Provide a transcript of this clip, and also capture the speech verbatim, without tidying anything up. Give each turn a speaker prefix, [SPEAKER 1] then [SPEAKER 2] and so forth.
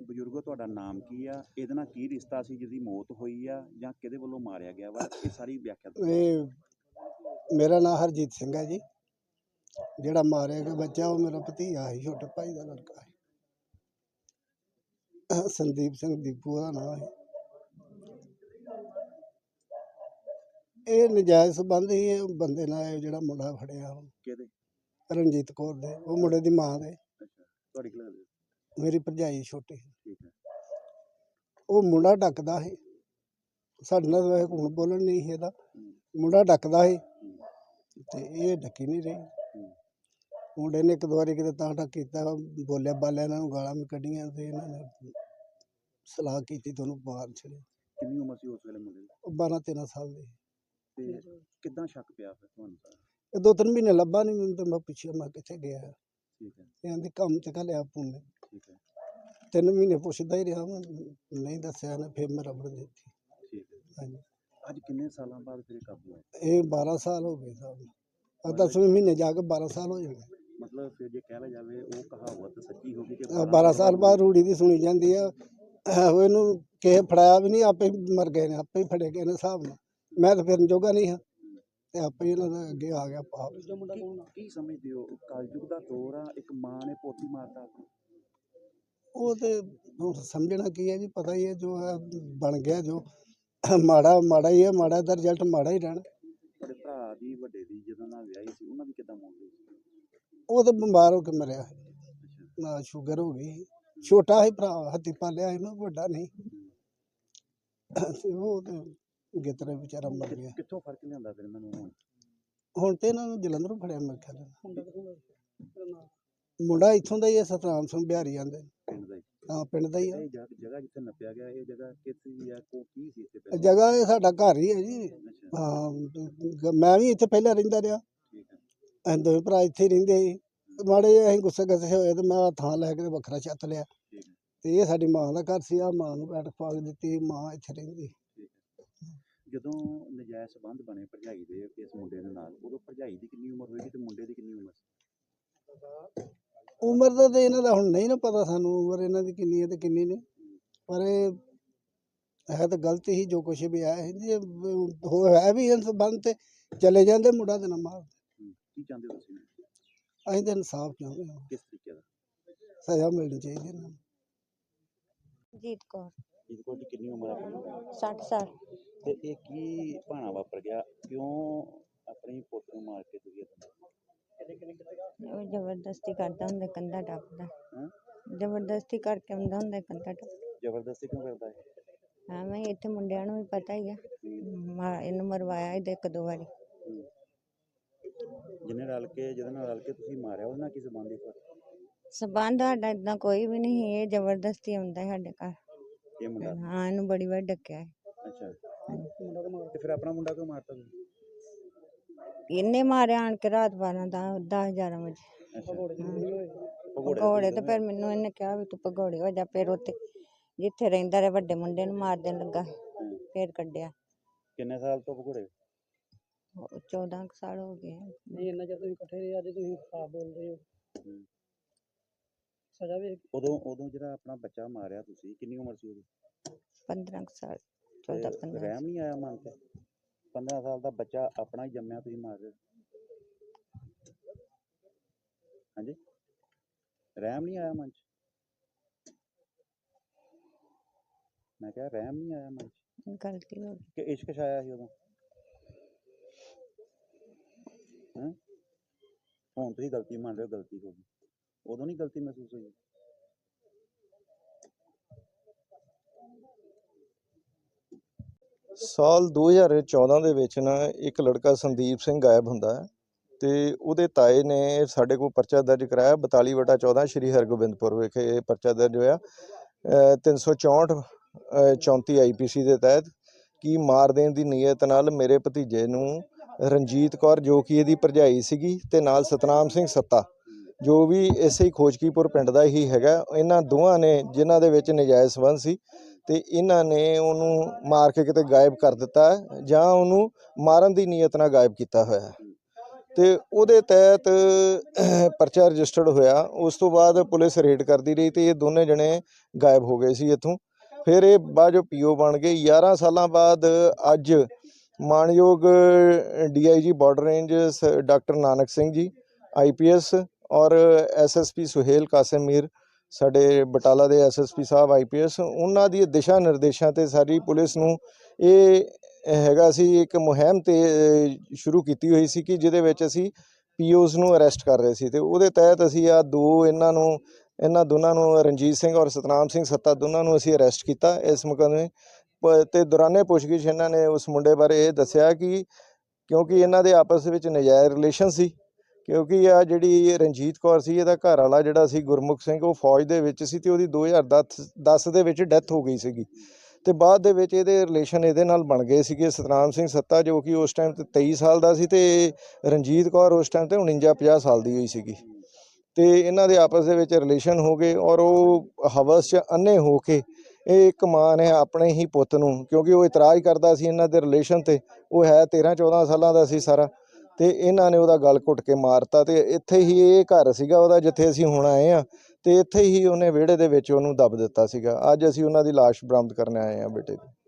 [SPEAKER 1] ਬਜ਼ੁਰਗੋ ਤੁਹਾਡਾ ਨਾਮ ਕੀ ਆ, ਇਹਦੇ ਨਾਲ ਕੀ ਰਿਸ਼ਤਾ ਸੀ ਜਿਹਦੀ ਮੌਤ ਹੋਈ ਆ ਜਾਂ ਕਿਹਦੇ ਵੱਲੋਂ ਮਾਰਿਆ ਗਿਆ ਵਾ, ਇਹ ਸਾਰੀ ਵਿਆਖਿਆ ਦਿਓ।
[SPEAKER 2] ਇਹ ਮੇਰਾ ਨਾਮ ਹਰਜੀਤ ਸਿੰਘ ਹੈ ਜੀ। ਜਿਹੜਾ ਮਾਰਿਆ ਗਿਆ ਬੱਚਾ ਉਹ ਮੇਰਾ ਭਤੀਜਾ ਸੀ, ਛੋਟੇ ਭਾਈ ਦਾ ਲੜਕਾ ਹੈ। ਸੰਦੀਪ ਸਿੰਘ ਦੀਪੂ ਦਾ ਨਾਮ ਹੈ। ਇਹ ਨਜਾਇਜ਼ ਸੰਬੰਧ ਹੀ ਇਹ ਬੰਦੇ ਨਾਲ, ਇਹ ਜਿਹੜਾ ਮੁੰਡਾ ਫੜਿਆ
[SPEAKER 1] ਕਿਹਦੇ?
[SPEAKER 2] ਰਣਜੀਤ ਕੌਰ ਦੇ, ਉਹ ਮੁੰਡੇ ਦੀ ਮਾਂ ਦੇ।
[SPEAKER 1] ਅੱਛਾ, ਤੁਹਾਡੀ ਕੀ ਲੱਗਦੀ?
[SPEAKER 2] ਮੇਰੀ ਭਰਜਾਈ ਛੋਟੀ।
[SPEAKER 1] ਠੀਕ ਹੈ।
[SPEAKER 2] ਉਹ ਮੁੰਡਾ ਡੱਕਦਾ ਸੀ ਸਾਡੇ ਨਾਲ, ਵੈਸੇ ਹੁਣ ਬੋਲਣ ਨਹੀਂ ਸੀ ਇਹਦਾ। ਮੁੰਡਾ ਡੱਕਦਾ ਸੀ ਤੇ ਇਹ ਡੱਕੀ ਨਹੀਂ ਰਹੀ। ਮੁੰਡੇ ਨੇ ਇੱਕ ਦੋ ਵਾਰੀ ਕਿਤੇ ਤਾਂ ਡੱਕ ਕੀਤਾ, ਬੋਲਿਆ ਬਾਲਿਆ, ਇਹਨਾਂ ਨੂੰ ਗਾਲਾਂ ਵੀ ਕੱਢੀਆਂ ਤੇ ਇਹਨਾਂ ਨੇ ਸਲਾਹ ਕੀਤੀ ਤੇ ਉਹਨੂੰ ਮਾਰ ਛੱਡਿਆ।
[SPEAKER 1] ਕਿੰਨੀ ਉਮਰ ਸੀ ਉਸ ਵੇਲੇ ਮੁੰਡੇ ਦੀ?
[SPEAKER 2] ਉਹ ਬਾਰਾਂ ਤੇਰਾਂ ਸਾਲ ਦੇ।
[SPEAKER 1] ਤੇ ਕਿੱਦਾਂ ਸ਼ੱਕ ਪਿਆ ਫਿਰ ਤੁਹਾਨੂੰ?
[SPEAKER 2] ਇਹ ਦੋ ਤਿੰਨ ਮਹੀਨੇ ਲੱਭਾ ਨਹੀਂ ਮੈਨੂੰ, ਤੇ ਮੈਂ ਪਿੱਛੇ ਮੈਂ ਕਿੱਥੇ ਗਿਆ।
[SPEAKER 1] ਠੀਕ ਹੈ।
[SPEAKER 2] ਕਹਿੰਦੇ ਕੰਮ ਤੇ ਘੱਲਿਆ ਪੁੰਨੇ।
[SPEAKER 1] ਠੀਕ ਹੈ।
[SPEAKER 2] ਤਿੰਨ ਮਹੀਨੇ ਪੁੱਛਦਾ ਹੀ ਰਿਹਾ ਮੈਂ, ਨਹੀਂ ਦੱਸਿਆ ਨੇ, ਫਿਰ ਮੈਂ ਰਬੜ ਦਿੱਤੀ।
[SPEAKER 1] ਠੀਕ ਹੈ।
[SPEAKER 2] ਹਾਂਜੀ।
[SPEAKER 1] ਅੱਜ ਕਿੰਨੇ ਸਾਲਾਂ ਬਾਅਦ ਫਿਰ ਕਾਬੂ ਆਇਆ?
[SPEAKER 2] ਇਹ ਬਾਰਾਂ ਸਾਲ ਹੋ ਗਏ ਸਾਹਿਬ। ਆ ਦਸਵੇਂ ਮਹੀਨੇ ਜਾ ਕੇ ਬਾਰਾਂ ਸਾਲ ਹੋ ਜਾਣੇ।
[SPEAKER 1] ਮਤਲਬ ਫਿਰ ਜੇ ਕਹਿ ਲਿਆ ਜਾਵੇ ਉਹ ਕਹਾਵਤ ਸੱਚੀ ਹੋ ਗਈ ਕਿ
[SPEAKER 2] ਬਾਰਾਂ ਸਾਲ ਬਾਅਦ ਰੂੜੀ ਦੀ ਸੁਣੀ ਜਾਂਦੀ ਆ। ਉਹ ਇਹਨੂੰ ਕਿਸੇ ਫੜਾਇਆ ਵੀ ਨਹੀਂ, ਆਪੇ ਹੀ ਮਰ ਗਏ ਨੇ, ਆਪੇ ਹੀ ਫੜੇ ਗਏ ਨੇ ਹਿਸਾਬ ਨਾਲ। ਮੈਂ ਤਾਂ ਫਿਰਨ ਜੋਗਾ ਨਹੀਂ ਹਾਂ ਤੇ ਆਪੇ ਹੀ ਇਹਨਾਂ ਦਾ ਅੱਗੇ ਆ ਗਿਆ ਪਾਪ।
[SPEAKER 1] ਕੀ ਸਮਝਦੇ ਹੋ, ਕਲਯੁਗ ਦਾ ਦੌਰ ਆ, ਇੱਕ ਮਾਂ ਨੇ ਪੋਤੀ ਮਾਰਤਾ?
[SPEAKER 2] ਉਹ ਤੇ ਹੁਣ ਸਮਝਣਾ ਕੀ ਹੈ ਜੀ, ਪਤਾ ਹੀ ਹੈ ਜੋ ਹੈ ਬਣ ਗਿਆ, ਜੋ ਮਾੜਾ ਮਾੜਾ ਹੀ ਹੈ, ਮਾੜਾ ਦਾ ਰਿਜ਼ਲਟ ਮਾੜਾ ਹੀ ਰਹਿਣਾ।
[SPEAKER 1] ਤੁਹਾਡੇ ਭਰਾ ਦੀ ਵੱਡੇ ਦੀ ਜਦੋਂ ਨਾਲ ਵਿਆਹੀ ਸੀ, ਉਹਨਾਂ ਦੀ ਕਿੱਦਾਂ ਮੌਤ ਹੋਈ?
[SPEAKER 2] ਉਹ ਤਾਂ ਬਿਮਾਰ ਹੋ ਕੇ ਮਰਿਆ ਨਾ, ਸ਼ੂਗਰ ਹੋ ਗਈ। ਛੋਟਾ ਹੀ ਭਰਾ ਹੱਥੀ ਪਾਲਿਆ ਸੀ ਨਾ, ਵੱਡਾ ਨਹੀਂ। ਉਹ ਤੇ ਗਿੱਤਰੇ ਵਿਚਾਰਾ ਮਰ ਗਿਆ।
[SPEAKER 1] ਕਿੱਥੋਂ ਫਰਕ ਲਿਆਂਦਾ ਫਿਰ ਇਹਨਾਂ ਨੂੰ ਹੁਣ?
[SPEAKER 2] ਹੁਣ ਤੇ ਇਹਨਾਂ ਨੂੰ ਜਲੰਧਰੋਂ ਫੜਿਆ ਮੇਰੇ ਖਿਆਲ। ਮੁੰਡਾ ਇੱਥੋਂ ਦਾ ਹੀ ਹੈ, ਸਤਨਾਮ ਸਿੰਘ ਬਿਹਾਰੀ ਆਂਦੇ।
[SPEAKER 1] ਪਿੰਡ ਦਾ ਹੀ?
[SPEAKER 2] ਹਾਂ, ਪਿੰਡ ਦਾ ਹੀ ਆ।
[SPEAKER 1] ਇਹ ਜਗ੍ਹਾ ਜਿੱਥੇ ਨੱਪਿਆ ਗਿਆ, ਇਹ ਜਗ੍ਹਾ ਕਿੱਥੇ ਹੈ, ਕੋ ਕੀ ਸੀ ਇੱਥੇ?
[SPEAKER 2] ਜਗ੍ਹਾ ਇਹ ਸਾਡਾ ਘਰ ਹੀ ਹੈ ਜੀ। ਹਾਂ, ਮੈਂ ਵੀ ਇੱਥੇ ਪਹਿਲਾਂ ਰਹਿੰਦਾ ਰਿਹਾ।
[SPEAKER 1] ਠੀਕ ਹੈ।
[SPEAKER 2] ਅਸੀਂ ਦੋਵੇਂ ਭਰਾ ਇੱਥੇ ਹੀ ਰਹਿੰਦੇ ਸੀ। ਮਾੜੇ ਅਸੀਂ ਗੁੱਸੇ ਗੱਸੇ ਹੋਏ ਤੇ ਮੈਂ ਥਾਂ ਲੈ ਕੇ ਵੱਖਰਾ ਛੱਤ ਲਿਆ। ਤੇ ਇਹ ਸਾਡੀ ਮਾਂ ਦਾ ਘਰ ਸੀ। ਆ ਮਾਂ ਨੂੰ ਬੈਠਕ ਪਾ ਕੇ ਦਿੱਤੀ, ਮਾਂ ਇੱਥੇ ਰਹਿੰਦੀ।
[SPEAKER 1] ਜਦੋਂ ਨਜਾਇਜ਼ ਸੰਬੰਧ ਬਣੇ ਭਰਜਾਈ ਦੇ ਇਸ ਮੁੰਡੇ ਦੇ ਨਾਲ, ਉਦੋਂ ਭਰਜਾਈ ਦੀ ਕਿੰਨੀ ਉਮਰ ਹੋਏਗੀ ਤੇ ਮੁੰਡੇ ਦੀ ਕਿੰਨੀ ਉਮਰ ਸੀ?
[SPEAKER 2] ਉਮਰ ਦਾ ਤੇ ਇਹਨਾਂ ਦਾ ਹੁਣ ਨਹੀਂ ਨਾ ਪਤਾ ਸਾਨੂੰ, ਉਮਰ ਇਹਨਾਂ ਦੀ ਕਿੰਨੀ ਹੈ ਤੇ ਕਿੰਨੀ ਨਹੀਂ। ਪਰ ਇਹ ਹੈ ਤਾਂ ਗਲਤ ਹੀ ਜੋ ਕੁਛ ਵੀ ਆਇਆ ਜੀ, ਹੋ ਹੈ ਵੀ ਇਸ ਸੰਬੰਧ ਤੇ ਚਲੇ ਜਾਂਦੇ, ਮੁੰਡਾ ਤੇ ਨਾ ਮਾਰ।
[SPEAKER 1] ਕੀ ਚਾਹੁੰਦੇ ਹੋ ਤੁਸੀਂ?
[SPEAKER 2] ਅਸੀਂ ਤਾਂ ਇਨਸਾਫ ਚਾਹੁੰਦੇ ਹਾਂ।
[SPEAKER 1] ਕਿਸ ਤਰੀਕੇ ਦਾ?
[SPEAKER 2] ਸਜ਼ਾ ਮਿਲਣੀ ਚਾਹੀਦੀ ਇਹਨਾਂ ਨੂੰ।
[SPEAKER 3] ਜੀਤ ਕੌਰ।
[SPEAKER 1] ਜੀਤ ਕੌਰ ਦੀ ਕਿੰਨੀ ਉਮਰ ਆਪਣੀ?
[SPEAKER 3] ਸੱਠ ਸਾਲ।
[SPEAKER 1] ਤੇ ਇਹ ਕੀ ਭਾਣਾ ਵਾਪਰ ਗਿਆ, ਕਿਉਂ ਆਪਣੀ ਪੁੱਤ ਨੂੰ ਮਾਰ ਕੇ ਤੁਸੀਂ?
[SPEAKER 3] ਉਹ ਜ਼ਬਰਦਸਤੀ ਕਰਦਾ ਹੁੰਦਾ, ਕੰਧਾ ਟੱਪਦਾ।
[SPEAKER 1] ਹਾਂ,
[SPEAKER 3] ਜ਼ਬਰਦਸਤੀ ਕਰਕੇ ਆਉਂਦਾ ਹੁੰਦਾ, ਕੰਧਾ ਟੱਪ।
[SPEAKER 1] ਜ਼ਬਰਦਸਤੀ ਕਿਉਂ ਕਰਦਾ ਹੈ?
[SPEAKER 3] ਹਾਂ, ਮੈਂ ਇੱਥੇ ਮੁੰਡਿਆਂ ਨੂੰ ਵੀ ਪਤਾ ਹੀ ਆ, ਇਹਨੂੰ ਮਰਵਾਇਆ ਇਹਦੇ ਇੱਕ ਦੋ ਵਾਰੀ।
[SPEAKER 1] ਜਿਹਨੇ ਰਲ ਕੇ ਜਿਹਦੇ ਨਾਲ ਰਲ ਕੇ ਤੁਸੀਂ ਮਾਰਿਆ, ਉਹਦੇ ਨਾਲ ਕੀ ਸੰਬੰਧ ਹੈ?
[SPEAKER 3] ਸਬੰਧ ਸਾਡਾ ਏਦਾਂ ਕੋਈ ਵੀ ਨਹੀਂ, ਇਹ ਜ਼ਬਰਦਸਤੀ ਆਉਂਦਾ ਸਾਡੇ ਘਰ।
[SPEAKER 1] ਇਹ ਮੁੰਡਾ?
[SPEAKER 3] ਹਾਂ, ਇਹਨੂੰ ਬੜੀ ਵਾਰ ਡੱਕਿਆ।
[SPEAKER 1] ਅੱਛਾ। ਤੇ ਫਿਰ ਆਪਣਾ ਮੁੰਡਾ ਕਿਉਂ ਮਾਰਤਾ ਤੁਸੀਂ?
[SPEAKER 3] ਇਹਨੇ ਮਾਰਿਆ ਆਣ ਕੇ ਰਾਤ ਬਾਰਾਂ ਦਸ ਦਸ ਗਿਆਰਾਂ ਵਜੇ। ਭਗੌੜੇ ਤੇ ਫਿਰ ਮੈਨੂੰ ਇਹਨੇ ਕਿਹਾ ਵੀ ਤੂੰ ਭਗੌੜੇ ਹੋ ਜਾ। ਫਿਰ ਉੱਥੇ ਜਿੱਥੇ ਰਹਿੰਦਾ ਰਿਹਾ ਵੱਡੇ ਮੁੰਡੇ ਨੂੰ ਮਾਰ ਦੇਣ ਲੱਗਾ, ਫਿਰ ਕੱਢਿਆ।
[SPEAKER 1] ਕਿੰਨੇ ਸਾਲ ਤੋਂ ਭਗੌੜੇ?
[SPEAKER 3] ਚੌਦਾਂ ਕੁ ਸਾਲ ਹੋ ਗਏ।
[SPEAKER 2] ਨਹੀਂ, ਇੰਨਾ ਚਿਰ ਤੁਸੀਂ ਇਕੱਠੇ ਰਹੇ, ਅੱਜ ਤੁਸੀਂ ਖਰਾਬ ਬੋਲਦੇ ਹੋ। ਸਜ਼ਾ ਵੀ
[SPEAKER 1] ਉਦੋਂ ਉਦੋਂ ਜਿਹੜਾ ਆਪਣਾ ਬੱਚਾ ਮਾਰਿਆ ਤੁਸੀਂ, ਕਿੰਨੀ ਉਮਰ ਸੀ ਉਹਦੀ?
[SPEAKER 3] ਪੰਦਰਾਂ ਕੁ ਸਾਲ, ਚੌਦਾਂ ਪੰਦਰਾਂ।
[SPEAKER 1] ਰਹਿਮ ਨਹੀਂ ਆਇਆ ਮਨ ਤੇ? ਪੰਦਰਾਂ ਸਾਲ ਦਾ ਬੱਚਾ ਆਪਣਾ ਹੀ ਜੰਮਿਆ, ਤੁਸੀਂ ਮਾਰ ਰਹੇ? ਹਾਂਜੀ, ਰਹਿਮ ਨਹੀਂ ਆਇਆ ਮਨ ਚ? ਮੈਂ ਕਿਹਾ ਰਹਿਮ ਨਹੀਂ ਆਇਆ ਮਨ ਚ?
[SPEAKER 3] ਗਲਤੀ ਹੋ ਗਈ
[SPEAKER 1] ਕਿ ਇਸ਼ਕ ਛਾਇਆ ਸੀ ਉਦੋਂ? ਹੈਂ, ਹੁਣ ਤੁਸੀਂ ਗਲਤੀ ਮੰਨ ਰਹੇ ਹੋ, ਗਲਤੀ ਹੋ ਗਈ, ਉਦੋਂ ਨਹੀਂ ਗਲਤੀ ਮਹਿਸੂਸ ਹੋਈ?
[SPEAKER 4] ਸਾਲ ਦੋ ਹਜ਼ਾਰ ਚੌਦਾਂ ਦੇ ਵਿੱਚ ਨਾ ਇੱਕ ਲੜਕਾ ਸੰਦੀਪ ਸਿੰਘ ਗਾਇਬ ਹੁੰਦਾ ਹੈ ਤੇ ਉਹਦੇ ਤਾਏ ਨੇ ਸਾਡੇ ਕੋਲ ਪਰਚਾ ਦਰਜ ਕਰਾਇਆ ਬਤਾਲੀ ਵਟਾ ਚੌਦਾਂ ਸ਼੍ਰੀ ਹਰਗੋਬਿੰਦਪੁਰ ਵਿਖੇ ਇਹ ਪਰਚਾ ਦਰਜ ਹੋਇਆ ਤਿੰਨ ਸੌ ਚੌਂਹਠ ਚੌਂਤੀ ਆਈ ਪੀ ਸੀ ਦੇ ਤਹਿਤ ਕਿ ਮਾਰ ਦੇਣ ਦੀ ਨੀਅਤ ਨਾਲ ਮੇਰੇ ਭਤੀਜੇ ਨੂੰ ਰਣਜੀਤ ਕੌਰ ਜੋ ਕਿ ਇਹਦੀ ਭਰਜਾਈ ਸੀਗੀ ਤੇ ਨਾਲ ਸਤਨਾਮ ਸਿੰਘ ਸੱਤਾ ਜੋ ਵੀ ਇਸੇ ਹੀ ਖੋਜਕੀਪੁਰ ਪਿੰਡ ਦਾ ਹੀ ਹੈਗਾ, ਇਹਨਾਂ ਦੋਵਾਂ ਨੇ ਜਿਨ੍ਹਾਂ ਦੇ ਵਿੱਚ ਨਜਾਇਜ਼ ਸੰਬੰਧ ਸੀ ਤੇ ਇਹਨਾਂ ਨੇ ਉਹਨੂੰ ਮਾਰ ਕੇ ਕਿਤੇ ਗਾਇਬ ਕਰ ਦਿੱਤਾ ਜਾਂ ਉਹਨੂੰ ਮਾਰਨ ਦੀ ਨੀਅਤ ਨਾਲ ਗਾਇਬ ਕੀਤਾ ਹੋਇਆ ਹੈ। ਤੇ ਉਹਦੇ ਤਹਿਤ ਪਰਚਾ ਰਜਿਸਟਰਡ ਹੋਇਆ। ਉਸ ਤੋਂ ਬਾਅਦ ਪੁਲਿਸ ਰੇਡ ਕਰਦੀ ਰਹੀ ਤੇ ਇਹ ਦੋਨੇ ਜਣੇ ਗਾਇਬ ਹੋ ਗਏ ਸੀ ਇੱਥੋਂ। ਫਿਰ ਇਹ ਬਾਅਦ ਜੋ ਪੀਓ ਬਣ ਗਏ। ਗਿਆਰਾਂ ਸਾਲਾਂ ਬਾਅਦ ਅੱਜ ਮਾਣਯੋਗ D I G border range ਸ- doctor Nanak Singh ji I P S ਔਰ S S P Suhail Qasim Mir ਸਾਡੇ ਬਟਾਲਾ ਦੇ ਐਸ ਐਸ ਪੀ ਸਾਹਿਬ ਆਈ ਪੀ ਐਸ, ਉਹਨਾਂ ਦੀ ਦਿਸ਼ਾ ਨਿਰਦੇਸ਼ਾਂ ਤੇ ਸਾਰੀ ਪੁਲਿਸ ਨੂੰ ਇਹ ਹੈਗਾ ਸੀ ਇੱਕ ਮੁਹਿੰਮ ਤੇ ਅ, ਸ਼ੁਰੂ ਕੀਤੀ ਹੋਈ ਸੀ ਕਿ ਜਿਹਦੇ ਵਿੱਚ ਅਸੀਂ ਪੀਓਜ਼ ਨੂੰ ਅਰੈਸਟ ਕਰ ਰਹੇ ਸੀ। ਤੇ ਉਹਦੇ ਤਹਿਤ ਅਸੀਂ ਆ ਦੋ ਇਹਨਾਂ ਨੂੰ ਇਹਨਾਂ ਦੋਨਾਂ ਨੂੰ ਰਣਜੀਤ ਸਿੰਘ ਔਰ ਸਤਨਾਮ ਸਿੰਘ ਸੱਤਾ ਦੋਨਾਂ ਨੂੰ ਅਸੀਂ ਅਰੈਸਟ ਕੀਤਾ ਇਸ ਮੁਕੱਦਮੇ ਪ- ਤੇ ਦੌਰਾਨੇ ਪੁੱਛਗਿੱਛ ਇਹਨਾਂ ਨੇ ਉਸ ਮੁੰਡੇ ਬਾਰੇ ਇਹ ਦੱਸਿਆ ਕਿ ਕਿਉਂਕਿ ਇਹਨਾਂ ਦੇ ਆਪਸ ਵਿੱਚ ਨਜਾਇਜ਼ ਰਿਲੇਸ਼ਨ ਸੀ, ਕਿਉਂਕਿ ਆ ਜਿਹੜੀ ਰਣਜੀਤ ਕੌਰ ਸੀ ਇਹਦਾ ਘਰ ਵਾਲਾ ਜਿਹੜਾ ਸੀ ਗੁਰਮੁਖ ਸਿੰਘ ਉਹ ਫੌਜ ਦੇ ਵਿੱਚ ਸੀ ਤੇ ਉਹਦੀ ਦੋ ਹਜ਼ਾਰ ਦਸ ਦੇ ਵਿੱਚ ਡੈਥ ਹੋ ਗਈ ਸੀਗੀ। ਤੇ ਬਾਅਦ ਦੇ ਵਿੱਚ ਇਹਦੇ ਰਿਲੇਸ਼ਨ ਇਹਦੇ ਨਾਲ ਬਣ ਗਏ ਸੀਗੇ। ਸਤਨਾਮ ਸਿੰਘ ਸੱਤਾ ਜੋ ਕਿ ਉਸ ਟਾਈਮ ਤੇ ਤੇਈ ਸਾਲ ਦਾ ਸੀ ਤੇ ਰਣਜੀਤ ਕੌਰ ਉਸ ਟਾਈਮ ਤੇ ਉਣੰਜਾ ਪੰਜਾਹ ਸਾਲ ਦੀ ਹੋਈ ਸੀਗੀ। ਤੇ ਇਹਨਾਂ ਦੇ ਆਪਸ ਦੇ ਵਿੱਚ ਰਿਲੇਸ਼ਨ ਹੋ ਗਏ ਔਰ ਉਹ ਹਵਸ 'ਚ ਅੰਨੇ ਹੋ ਕੇ ਇਹ ਇੱਕ ਮਾਂ ਨੇ ਆਪਣੇ ਹੀ ਪੁੱਤ ਨੂੰ, ਕਿਉਂਕਿ ਉਹ ਇਤਰਾਜ਼ ਕਰਦਾ ਸੀ ਇਹਨਾਂ ਦੇ ਰਿਲੇਸ਼ਨ ਤੇ, ਉਹ ਹੈ ਤੇਰ੍ਹਾਂ ਚੌਦ੍ਹਾਂ ਸਾਲਾਂ ਦਾ ਸੀ ਸਾਰਾ, ਤੇ ਇਹਨਾਂ ਨੇ ਉਹਦਾ ਗਲ ਘੁੱਟ ਕੇ ਮਾਰਤਾ। ਤੇ ਇੱਥੇ ਹੀ ਇਹ ਘਰ ਸੀਗਾ ਉਹਦਾ ਜਿੱਥੇ ਅਸੀਂ ਹੁਣ ਆਏ ਆ, ਤੇ ਇੱਥੇ ਹੀ ਉਹਨੇ ਵਿਹੜੇ ਦੇ ਵਿੱਚ ਉਹਨੂੰ ਦੱਬ ਦਿੱਤਾ ਸੀਗਾ। ਅੱਜ ਅਸੀਂ ਉਹਨਾਂ ਦੀ ਲਾਸ਼ ਬਰਾਮਦ ਕਰਨ ਆਏ ਆ ਬੇਟੇ ਦੀ।